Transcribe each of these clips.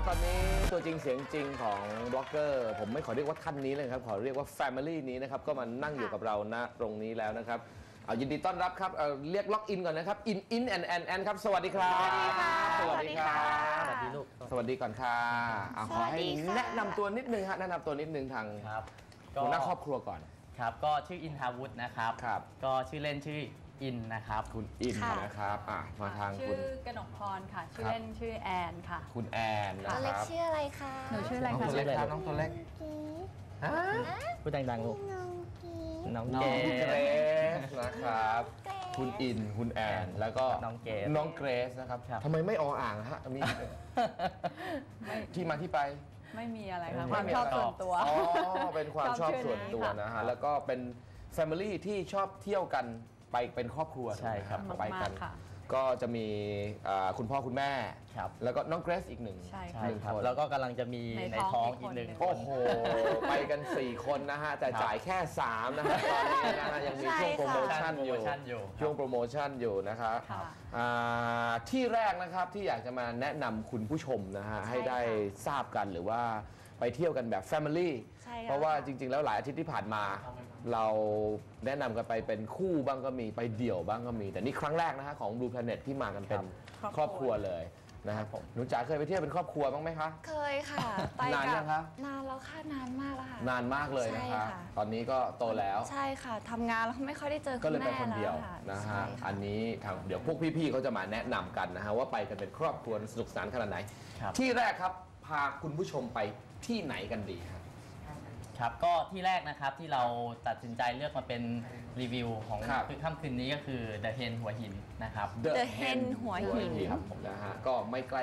ตอนนี้ตัวจริงเสียงจริงของบล็อกเกอร์ผมไม่ขอเรียกว่าท่านนี้เลยครับขอเรียกว่า Family นี้นะครับก็มานั่งอยู่กับเราณตรงนี้แล้วนะครับเอายินดีต้อนรับครับเรียกล็อกอินก่อนนะครับอินแอนครับสวัสดีครับสวัสดีค่ะสวัสดีลูกสวัสดีก่อนค่ะขอให้แนะนำตัวนิดนึงฮะแนะนำตัวนิดนึงทางหัวหน้าครอบครัวก่อนครับก็ชื่ออินทาวุฒินะครับก็ชื่อเล่นชื่ออินนะครับคุณอินนะครับมาทางคุณชื่อกนกพรค่ะชื่อเล่นชื่อแอนค่ะคุณแอนนะครับตัวเล็กชื่ออะไรคะหนูชื่ออะไรคะน้องตัวเล็กครับน้องตัวเล็กพูดดังๆลูกน้องเกสนะครับคุณอินคุณแอนแล้วก็น้องเกรซนะครับทำไมไม่อ่างฮะมีที่มาที่ไปไม่มีอะไรค่ะความชอบส่วนตัวเป็นความชอบส่วนตัวนะฮะแล้วก็เป็น Family ที่ชอบเที่ยวกันไปเป็นครอบครัวใช่ครับไปกันก็จะมีคุณพ่อคุณแม่แล้วก็น้องเกรซอีกหนึ่งคนแล้วก็กำลังจะมีในท้องอีกหนึ่งโอ้โหไปกัน4คนนะฮะแต่จ่ายแค่3นะฮะตอนนี้นะฮะยังมีช่วงโปรโมชั่นอยู่ช่วงโปรโมชั่นอยู่นะครับที่แรกนะครับที่อยากจะมาแนะนำคุณผู้ชมนะฮะให้ได้ทราบกันหรือว่าไปเที่ยวกันแบบ Family เพราะว่าจริงๆแล้วหลายอาทิตย์ที่ผ่านมาเราแนะนำกันไปเป็นคู่บ้างก็มีไปเดี่ยวบ้างก็มีแต่นี่ครั้งแรกนะฮะของ Blue Planet ที่มากันเป็นครอบครัวเลยนะครับผมหนูจ๋าเคยไปเที่ยวเป็นครอบครัวบ้างไหมคะเคยค่ะไปนานยังคะนานแล้วค่ะนานมากแล้วค่ะนานมากเลยนะคะตอนนี้ก็โตแล้วใช่ค่ะทำงานแล้วไม่ค่อยได้เจอก็เลยไปคนเดียวนะฮะอันนี้ทางเดี๋ยวพวกพี่ๆเขาจะมาแนะนำกันนะฮะว่าไปกันเป็นครอบครัวสนุกสนานขนาดไหนที่แรกครับพาคุณผู้ชมไปที่ไหนกันดีครับก็ที่แรกนะครับที่เราตัดสินใจลือกมาเป็นรีวิวของค่ำคืนนี้ก็คือ The Hen หัวหินนะครับ The Hen หัวหินครับผมนะฮะก็ไม่ใกล้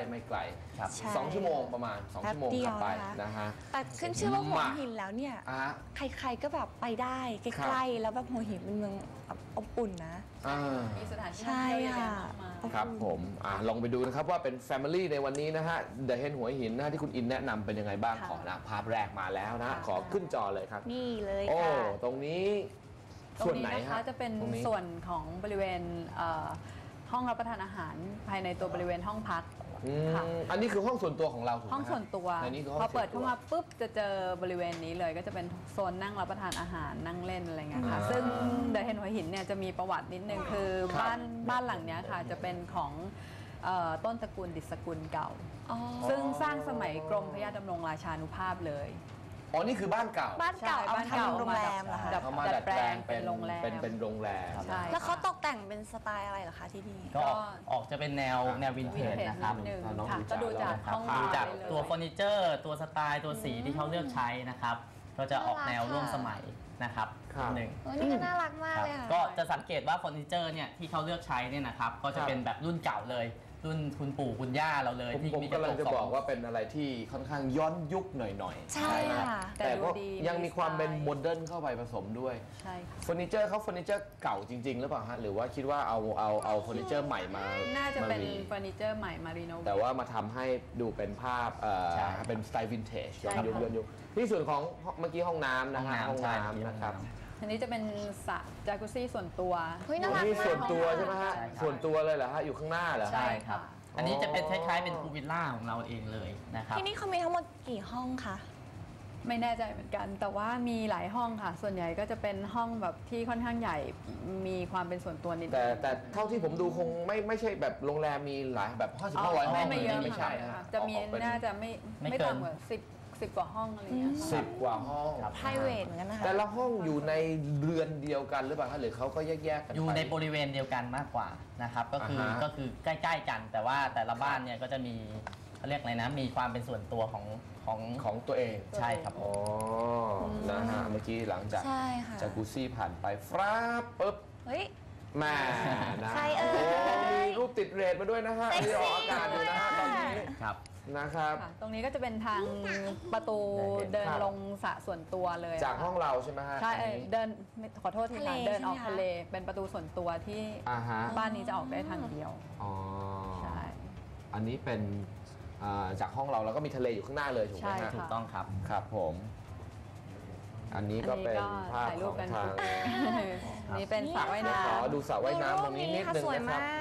2 ชั่วโมงประมาณ2 ชั่วโมงขับไปนะฮะแต่ขึ้นชื่อว่าหัวหินแล้วเนี่ยใครๆก็แบบไปได้ใกล้ๆแล้วแบบหัวหินเป็นเมืองอบอุ่นนะมีสถานที่ใช่ค่ะครับผมลองไปดูนะครับว่าเป็น Family ในวันนี้นะฮะ The Hen หัวหินนะที่คุณอินแนะนำเป็นยังไงบ้างขอนะภาพแรกมาแล้วนะขอขึ้นจอเลยครับนี่เลยค่ะตรงนี้ส่วนไหนคะจะเป็นส่วนของบริเวณห้องรับประทานอาหารภายในตัวบริเวณห้องพักอันนี้คือห้องส่วนตัวของเราห้องส่วนตัวพอเปิดเข้ามาปุ๊บจะเจอบริเวณนี้เลยก็จะเป็นโซนนั่งรับประทานอาหารนั่งเล่นอะไรเงี้ยค่ะซึ่งเดอะเฮนหัวหินเนี่ยจะมีประวัตินิดนึงคือบ้านหลังนี้ค่ะจะเป็นของต้นตระกูลดิษกุลเก่าซึ่งสร้างสมัยกรมพระยาดำรงราชานุภาพเลยนี่คือบ้านเก่าเอามาทำโรงแรมเหรอคะเอามาดัดแปลงเป็นโรงแรมแล้วเขาตกแต่งเป็นสไตล์อะไรเหรอคะที่นี่ก็ออกจะเป็นแนววินเทจนะครับก็ดูจากตัวเฟอร์นิเจอร์ตัวสไตล์ตัวสีที่เขาเลือกใช้นะครับก็จะออกแนวร่วมสมัยนะครับหนึ่งนี่ก็น่ารักมากเลยค่ะก็จะสังเกตว่าเฟอร์นิเจอร์เนี่ยที่เขาเลือกใช้เนี่ยนะครับก็จะเป็นแบบรุ่นเก่าเลยรุ่นคุณปู่คุณย่าเราเลยที่มีกำลังจะบอกว่าเป็นอะไรที่ค่อนข้างย้อนยุคหน่อยๆใช่ค่ะแต่ก็ยังมีความเป็นโมเดิร์นเข้าไปผสมด้วยใช่ค่ะเฟอร์นิเจอร์เขาเฟอร์นิเจอร์เก่าจริงๆหรือเปล่าฮะหรือว่าคิดว่าเอาเฟอร์นิเจอร์ใหม่มาน่าจะเป็นเฟอร์นิเจอร์ใหม่มารีโนเวทแต่ว่ามาทำให้ดูเป็นภาพเป็นสไตล์วินเทจย้อนยุคที่ส่วนของเมื่อกี้ห้องน้ำนะฮะห้องน้ำนะครับอันนี้จะเป็นสระจากุซี่ส่วนตัวนี่ส่วนตัวใช่ไหมฮะส่วนตัวเลยเหรอฮะอยู่ข้างหน้าเหรอใช่ค่ะอันนี้จะเป็นคล้ายๆเป็นพูลวิลล่าของเราเองเลยนะครับที่นี่เขามีทั้งหมดกี่ห้องคะไม่แน่ใจเหมือนกันแต่ว่ามีหลายห้องค่ะส่วนใหญ่ก็จะเป็นห้องแบบที่ค่อนข้างใหญ่มีความเป็นส่วนตัวนิดแต่เท่าที่ผมดูคงไม่ใช่แบบโรงแรมมีหลายแบบ50-100 ห้องไม่เยอะไม่ใช่จะมีน่าจะไม่ต่ำกว่า10 กว่าห้องอะไรเงี้ย 10 กว่าห้อง private เหมือนกันนะคะแต่ละห้องอยู่ในเรือนเดียวกันหรือเปล่าคะหรือเขาก็แยกกันอยู่ในบริเวณเดียวกันมากกว่านะครับก็คือใกล้ๆกันแต่ว่าแต่ละบ้านเนี่ยก็จะมีเขาเรียกอะไรนะมีความเป็นส่วนตัวของตัวเองใช่ครับนะฮะเมื่อกี้หลังจากจากกูซี่ผ่านไปฟราบปุ๊บแม่นะมีรูปติดเรทมาด้วยนะฮะที่ออกอากาศอยู่นะฮะตอนนี้ครับนะครับตรงนี้ก็จะเป็นทางประตูเดินลงสระส่วนตัวเลยจากห้องเราใช่ไหมฮะใช่เดินขอโทษทีค่ะเดินออกทะเลเป็นประตูส่วนตัวที่บ้านนี้จะออกได้ทางเดียวใช่อันนี้เป็นจากห้องเราแล้วก็มีทะเลอยู่ข้างหน้าเลยถูกไหมฮะถูกต้องครับครับผมอันนี้ก็เป็นภาพของทางนี่เป็นสระว่ายน้ำขอดูสระว่ายน้ำตรงนี้นิดนึงนะครับ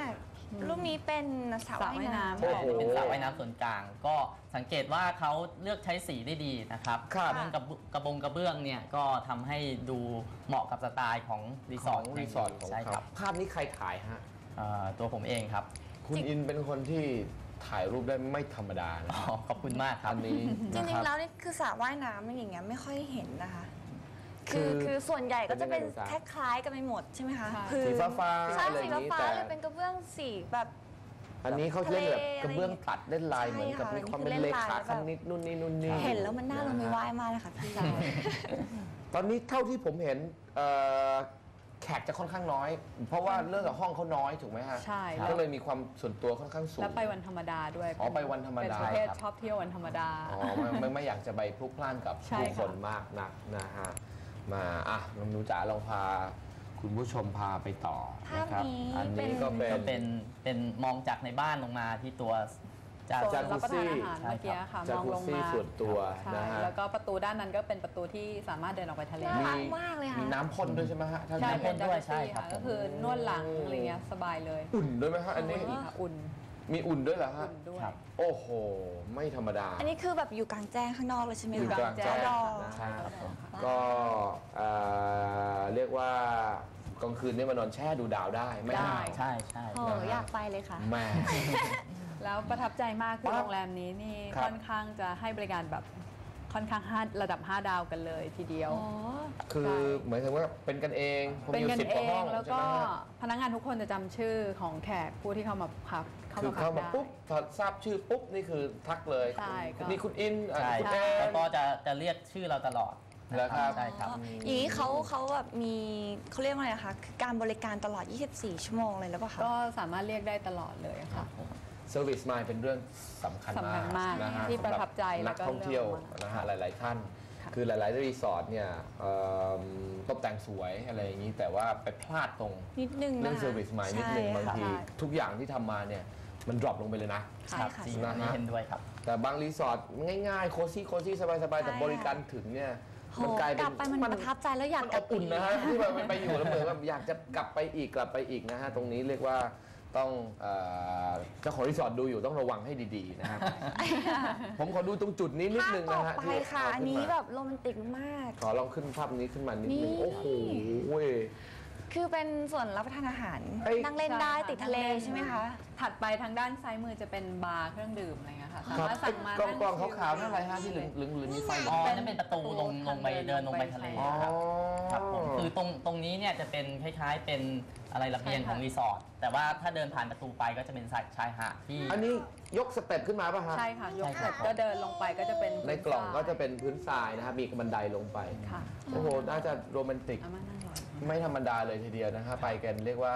รูปนี้เป็นสระว่ายน้ำโอ้โหเป็นสระว่ายน้ำส่วนกลาง ก็สังเกตว่าเขาเลือกใช้สีได้ดีนะครับครับเรื่องกระเบื้องเนี่ยก็ทำให้ดูเหมาะกับสไตล์ของรีสอร์ทรีสอร์ทของใช่เขาครับภาพนี้ใครถ่ายฮะตัวผมเองครับคุณอินเป็นคนที่ถ่ายรูปได้ไม่ธรรมดานะอ๋อขอบคุณมากครับอันนี้จนะคริงบๆแล้วนี่คือสระว่ายน้ำอย่างเงี้ยไม่ค่อยเห็นนะคะคือคือส่วนใหญ่ก็จะเป็นเป็นยังไงคล้ายๆกันไปหมดใช่ไหมคะใช่คือสีฟ้าๆใช่อะไรอสีย่างนี้ฟ้าแต่ๆเลยเป็นกระเบื้องสีแบบอันนี้เขาเล่นแบบทะเลกระเบื้องตัดเล่นลายใช่เหมือนกับค่ะมีความอันนี้เป็นเลคือเล่นลายขาแบบคณิตนู่นนี่นู่นนี่เห็นแล้วมันน่าลงไปว่ายมากเลยค่ะพี่ตอนนี้เท่าที่ผมเห็นแขกจะค่อนข้างน้อย เพราะว่าเรื่องกับห้องเขาน้อยถูกไหมฮะใช่ก็เลยมีความส่วนตัวค่อนข้างสูงแล้วไปวันธรรมดาด้วยอ๋อไปวันธรรมดาเป็นประเภทครับชอบเที่ยววันธรรมดาอ๋อไม่อยากจะไปพลุกพล่านกับใช่ผู้ค่ะคนมากนักนะฮะมาน้องหนูจ๋าลองพาคุณผู้ชมพาไปต่อนะครับภาพนี้อันนี้เป็นก็เป็ก็นเป็นมองจากในบ้านลงมาที่ตัวจะโซจานนรับประทานอาหารใช่เมื่อกี้ค่ะจากมองกุลงซี่มาส่วนตัวใช่นะฮะแล้วก็ประตูด้านนั้นก็เป็นประตูที่สามารถเดินออกไปทะเลน่าได้รักมากเลยค่ะมีน้ำพ่นด้วยใช่ไหมฮะถ้าใช่น้ำเป็พ่นนจักด้รุวยซี่ใช่ครัค่ะบก็คือนวดหลังอะไรเงี้ยสบายเลยอุ่นด้วยไหมฮะอันนี้อุ่นค่ะอุ่นมีอุ่นด้วยเหรอฮะอุ่นด้วยครับโอ้โห ไม่ธรรมดาอันนี้คือแบบอยู่กลางแจ้งข้างนอกเลยใช่ไหมอยู่คะกลางแจ้งดอนะฮะครับผมก็เรียกว่ากลางคืนนี่มานอนแช่ดูดาวได้ไม่ได้หนาวใช่ใช่โอ้อยากไปเลยค่ะแม่แล้วประทับใจมากคือปั๊บโรงแรมนี้นี่ครับค่อนข้างจะให้บริการแบบค่อนข้างระดับ 5 ดาวกันเลยทีเดียวอ๋อคือเหมือนกับว่าเป็นกันเองผมเป็นอยู่กัน 10 เอกว่าห้องงแล้วใช่ก็ไหมฮะพนักงานทุกคนจะจำชื่อของแขกผู้ที่เข้ามาพักคือเข้ามาได้ปุ๊บพอทราบชื่อปุ๊บนี่คือทักเลยใช่คุณก็นี่คุณอินใช่คุณคแอรับแล้วนก็จะเรียกชื่อเราตลอดนะเหรอครับใช่ครับอย่างนี้เขาแบบมีเขาเรียกว่าอะไรคะคือการบริการตลอด 24 ชั่วโมงเลยหรือเปล่าคะก็สามารถเรียกได้ตลอดเลยค่ะเซอร์วิสมายเป็นเรื่องสำคัญสำคัญมากนะฮะที่ประทับใจสำหนักแล้วก็ท่องเที่ยวเรื่องนะฮะหลาย ๆ ท่านค่ะคือหลาย ๆ รีสอร์ทเนี่ยตกแต่งสวยอะไรอย่างนี้ แต่ว่าไปพลาดตรงนิดนึงเรื่องนะคะเซอร์วิสมายนิดนึงใช่บางค่ะทีทุกอย่างที่ทำมาเนี่ยมันดรอปลงไปเลยนะใช่ครับค่ะจริงนะฮะอันนี้เห็นด้วยครับแต่บางรีสอร์ทง่าย ๆ โคซี่สบาย ๆ แต่ใช่บริการถึงเนี่ยโหมันกลายกเป็นลับไปมันประทับใจแล้วอยากมันกอลับบอุ่นนะฮะที่แบบไปอยู่แล้วเหมือนแบบอยากจะกลับไปอีกนะฮะตรงนี้เรียกว่าต้องเจ้าของรีสอร์ทดูอยู่ต้องระวังให้ดีๆนะครับ ผมขอดูตรงจุดนี้นิดภาพนึงต่นะอฮะไปที่ค่ะเอาอันขึ้นี้มาแบบโรแมนติกมากขอลองขึ้นภาพนี้ขึ้นมานิดนึงนี่โอ้โหเว้ยคือเป็นส่วนรับประทานอาหารเอ้ยนั่งเล่นได้ใช่ค่ะติดทะเลใช่ไหมคะถัดไปทางด้านซ้ายมือจะเป็นบาร์เครื่องดื่มอะไรเงี้ยค่ะครับสามารถสั่งมากล่องนั่งกล่องชิลขาวๆนั่นอะไรฮะที่เหลืองมีไฟอ๋อนั่นเป็นประตูลงไปเดินลงไปทะเลอ๋อครับครับผมคือตรงนี้เนี่ยจะเป็นคล้ายๆเป็นอะไรระเบียงของรีสอร์ทแต่ว่าถ้าเดินผ่านประตูไปก็จะเป็นชายหาดที่อันนี้ยกสเต็ปขึ้นมาป่ะฮะใช่ค่ะ ยกใช่คเสรัร็บจก็เดินลงไปก็จะเป็นในกล่องก็จะเป็นพื้นทรายนะครับมีบันไดลงไปค่ะโอ้โห น่าจะโรแมนติกเอามานั่งรอไม่ธรรมดาเลยทีเดียวนะฮะไปกันเรียกว่า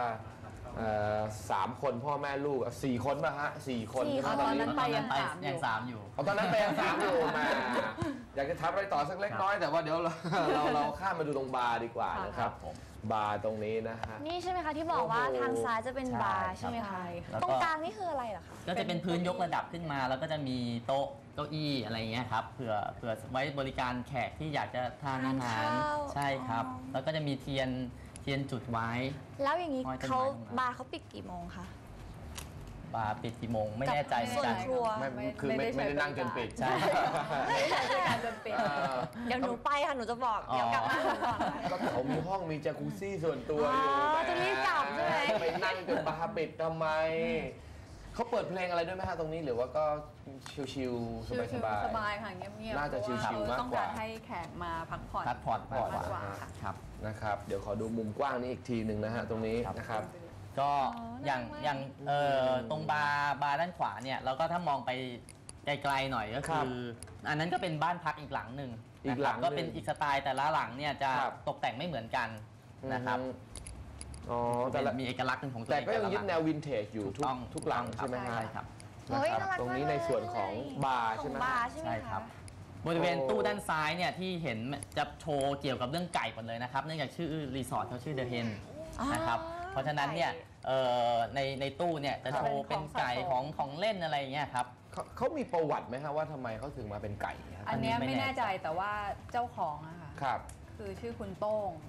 3 คนพ่อแม่ลูก4 คนป่ะฮะ4 คน 4 ใช่ไหมตอนนั้นตอนนั้นไปยังสามอยู่เอาตอนนั้นไปยัง3อยู่มาอยากจะทับอะไรต่อสักเล็กน้อยแต่ว่าเดี๋ยวเราข้ามมาดูตรงบาร์ดีกว่านะครับผมบาร์ตรงนี้นะฮะนี่ใช่ไหมคะที่บอกว่าโอ้โหทางซ้ายจะเป็นใช่บาร์ใช่ไหมใช่คะค่ะตรงกลางนี่คืออะไรเหรอคะก็จะเป็นพื้นยกระดับขึ้นมา แล้วก็จะมีโต๊ะเก้าอี้อะไรเงี้ยครับเผื่อไว้บริการแขกที่อยากจะทานอาหารทานข้าวใช่ครับอ๋อแล้วก็จะมีเทียนจุดไว้แล้วอย่างนี้ห้อยต้นไม้เขาตรงนั้นบาร์เขาปิดกี่โมงคะบาร์ปิดกี่โมงไม่แน่ใจเหมือส่นวนกันครัวไม่ได้นั่งจนปิดใช่ไม่ได้ใช้บริการจนปิดเดี๋ยวหนูไปค่ะหนูจะบอกเดี๋ยวกลับมาก่อนก็เขามีห้องมีจากุซี่ส่วนตัวอยู่อ๋อแหมจะรีบกลับใช่ไหมไปนั่งจนบาร์ปิดทำไม เขาเปิดเพลงอะไรด้วยไหมฮะตรงนี้หรือว่าก็ชิวๆชิลสบายๆสบายค่ะเงียบๆน่าจะเพระชิลๆมากกว่าต้องการให้แขกมาพักผ่อนพักผ่อนมากกว่าค่ะครับๆนะครับเดี๋ยวขอดูมุมกว้างนี้อีกทีหนึ่งนะฮะตรงนี้ครับนะครับก็อ๋ออย่างน่ารักมากอย่างตรงบาร์ด้านขวาเนี่ยเราก็ถ้ามองไปไกลๆหน่อยก็ครัคืบออันนั้นก็เป็นบ้านพักอีกหลังหนึ่งอีกหลังนะครับก็เป็นหนึ่งอีกสไตล์แต่ละหลังเนี่ยจะครับตกแต่งไม่เหมือนกันนะครับอ๋อแต่ละมีเอกลักษณ์เป็นของตัวแต่เองก็ยังละยึดแนววินเทจอยู่ถูกต้องทุกหลังถูกต้องใช่ไหมฮะใช่ครับเฮ้ยนะน่าครัรับกตรงนี้มากในเลยส่วนของบาร์ใช่ไหมของบาฮะร์ใช่ไหมใช่ครัคะบ บริเวณโอ้ตู้ด้านซ้ายเนี่ยที่เห็นจะโชว์เกี่ยวกับเรื่องไก่หมดเลยนะครับเนื่องจากชื่อรีสอร์ทเขาชื่อ The Hen อ๋อนะครับเพราะฉะนั้นเนี่ยในตู้เนี่ยจะโชว์เป็นไก่ของเล่นอะไรอย่างเงี้ยครับเขามีประวัติไหมฮะว่าทำไมเขาถึงมาเป็นไก่ฮะอันเนี้ยอันนี้ไม่ไม่แน่ใจแน่ใจแต่ว่าเจ้าของอะค่ะครับคือชื่อคุณโต้งอ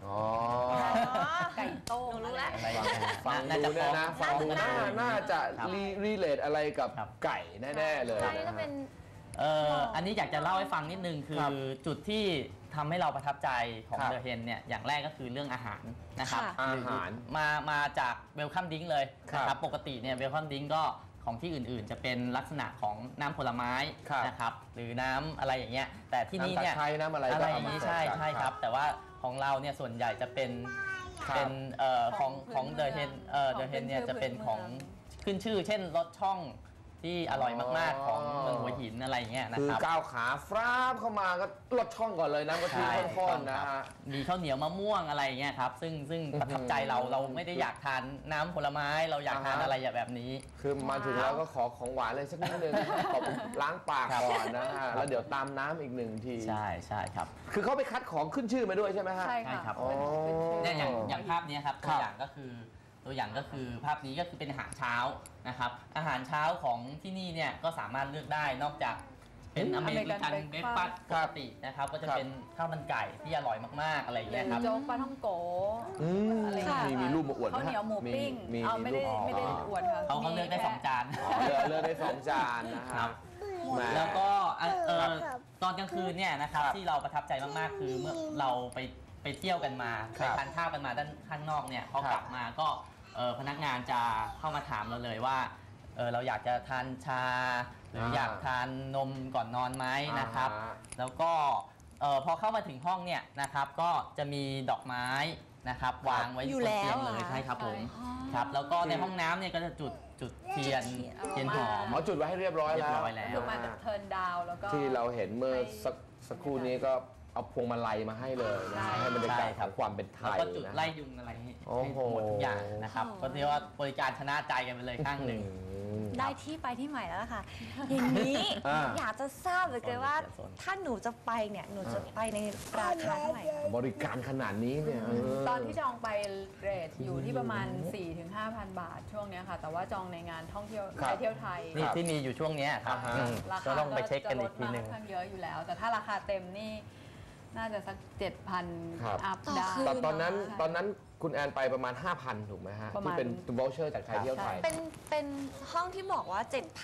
อ๋อไก่โต้งหนูรู้แล้วอะไรฟังดูเนี่ยนะฟังดูน่าจะรีเลทอะไรกับไก่แน่ๆเลยใช่นะก็ฮะเป็นอันนี้อยากจะเล่าให้ฟังนิดนึงคือครับจุดที่ทำให้เราประทับใจของครับเดอะเฮนเนี่ยอย่างแรกก็คือเรื่องอาหารนะครับค่ะอาหารมาจากเวลคัมดิ้งเลยครับนะครับปกติเนี่ยเวลคัมดิ้งก็ของที่อื่นๆ จะเป็นลักษณะของน้ำผลไม้ครับนะครับหรือน้ำอะไรอย่างเงี้ยแต่ที่นี่น้ำตะเนี่ยไคร้น้ำอะไรอะก็ไรอเอาย่างมานี้ใส่ใช่กันครับ แต่ว่าของเราเนี่ยส่วนใหญ่จะเป็นครับเป็นของเดอะเฮนเนี่ยจะเป็นของขึ้นชื่อ เช่นรสช่องที่อร่อยมากๆของเมืองหัวหินอะไรอย่างเงี้ยนะคือครับก้าวขาฟราบเข้ามาก็ลดช่องก่อนเลยน้ำกะทิใช่ข้นๆนะฮะมีข้าวเหนียวมะม่วงอะไรอย่างเงี้ยครับซึ่งประทับใจเราไม่ได้อยากทานน้ำผลไม้เราอยากทานอ่าฮะอะไรแบบนี้คือมาถึงแล้วก็ขอของหวานเลยสักนิดนึงขอล้างปากก่อนนะฮะแล้วเดี๋ยวตามน้ำอีกหนึ่งทีใช่ครับคือเขาไปคัดของขึ้นชื่อมาด้วยใช่ไหมฮะใช่ใช่ค่ะครับเป็นชื่เนี่ยอย่างภาพเนี้ยครับครัตัวบอย่างก็คือภาพนี้ก็คือเป็นอาหารเช้านะครับอาหารเช้าของที่นี่เนี่ยก็สามารถเลือกได้นอกจากเป็นอเมริกันเบรคฟาสต์ปกตินะครับก็จะเป็นข้าวมันไก่ที่อร่อยมากๆอะไรอย่างหรืเงี้ยอครับโจ๊กปลาท่องโกอืมอะไรอย่างเงี้ยมีรูปมาอวดไหมข้าวเหนียวหมูปิ้งมีเอาไม่ได้รูปไม่ได้อวดค่ะเขาเลือกได้มีแค่ 2 จานเลือกได้2 จานนะคครัรับบ แหมแล้วก็ตอนกลางคืนเนี่ยนะครับครับที่เราประทับใจมากๆคือเมื่อเราไปเที่ยวกันมาครัไปบทานข้าวกันมาด้านข้างนอกเนี่ยพอครับกลับมาก็พนักงานจะเข้ามาถามเราเลยว่าเราอยากจะทานชา หรืออยากทานนมก่อนนอนไหมนะครับอ่าฮะแล้วก็พอเข้ามาถึงห้องเนี่ยนะครับก็จะมีดอกไม้นะครับวางไว้อยู่บนแล้วเตียงเลยเหรอใช่ครับผมใช่ครับแล้วก็ในห้องน้ำเนี่ยก็จะจุดเทียนจุดเทีเทียยนนหอมอ๋อจุดไว้ให้เรียบร้อยเรียแล้บวร้อยแล้วคือมาจากเทิร์นดาวแล้วก็ที่เราเห็นเมื่อสักครู่นี้ก็เอาพวงมาลัยมาให้เลยนะใช่ให้บรรยากาศใช่ขครัอบ งความเป็นไทแล้วยก็จุดนะไล่ยุงอะไรให้โอ้โหหมดทุกอย่างนะครับก็เรียกว่าบริการชนะใจกันไปเลยข้างหนึ่งได้ที่ไปที่ใหม่แล้วล่ะค่ะ อย่างนี้อ่าอยากจะทราบเหลยเกินว่าโซนถ้าหนูจะไปเนี่ยหนูจะไปในราคาเท่าไหร่คะบริการขนาดนี้เนี่ยตอนที่จองไปเรทอยู่ที่ประมาณ 4-5,000 บาทช่วงเนี้ยค่ะ แต่ว่าจองในงานท่องเที่ยวครับไปเที่ยวไทยนี่ที่มีอยู่ช่วงเนี้ยครับอ่าฮะราก็คาต้องไปเช็คกันอีกทีหนึ่งจะลดมาค่อนข้างเยอะอยู่แล้ว แต่ถ้าราคาเต็มนี่น่าจะสักครับ 7,000 อัพต่อได้คืตอนนั้นใช่ตอนนั้นคุณแอนไปประมาณ 5,000 ถูกไหมฮะประมาที่ณเป็นวอลเชอร์จากไทยเที่ยวไทยเป็นห้องที่บอกว่า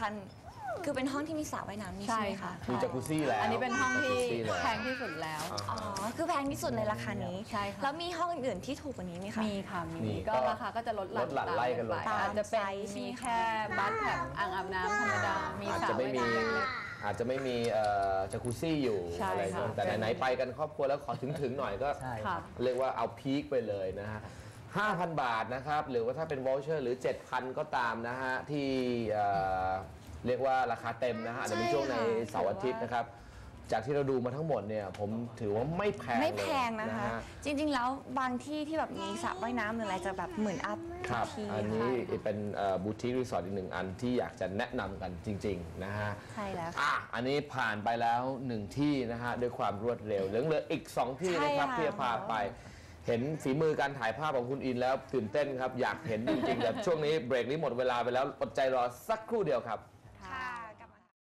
7,000 คือเป็นห้องที่มีสระว่ายน้ำนี่ใช่ไหมคะมีจากุซี่แล้วอันนี้เป็นห้องที่จักรุซี่เลยแพงที่สุดแล้วอ๋อ คือแพงที่สุดในราคานี้ใช่ค่ะแล้วมีห้องอื่นๆที่ถูกกว่านี้ไหมคะมีค่ะมีมีก็ก็ราคาก็จะลดหลั่นลดหลั่นไล่กันลงตามอาจจะเป็นตามไซส์มีแค่บัตแท็บอ่างอาบน้ำธรรมดา มีอาจสระจะไม่ว่ายมีน้ำเล็กอาจจะไม่มีจากุซี่อยู่ใช่อะไรอย่างเงี้ยค่ะแต่ไหนๆไปกันครอบครัวแล้วขอถึงหน่อยก็ใช่ๆครัค่ะบเรียกว่าเอาพีคไปเลยนะฮะ 5,000 บาทนะครับ หรือว่าถ้าเป็นวอลเชอร์หรือ 7,000 ก็ตามนะฮะ ที่เรียกว่าราคาเต็มนะฮะอาจจะเป็นช่วงในเสาร์อาทิตย์นะครับ จากที่เราดูมาทั้งหมดเนี่ย ผมถือว่าไม่แพงไม่แพงเลยนะคะ จริงๆ แล้วบางที่ที่แบบมีสระว่ายน้ำหรืออะไรจะแบบหมื่นอัพครับทีอันนี้เป็นบูติกรีสอร์ทอีกหนึ่งอันที่อยากจะแนะนำกันจริง ๆ นะฮะใช่แล้วอันนี้ผ่านไปแล้ว 1 ที่นะฮะด้วยความรวดเร็วเหลืออีก 2 ที่นะครับใช่ค่ะที่จะพาไป เห็นฝีมือการถ่ายภาพของคุณอินแล้วตื่นเต้นครับ อยากเห็นจริงๆแต่ช่วงนี้เบรกนี้หมดเวลาไปแล้วอดใจรอสักครู่เดียวครับ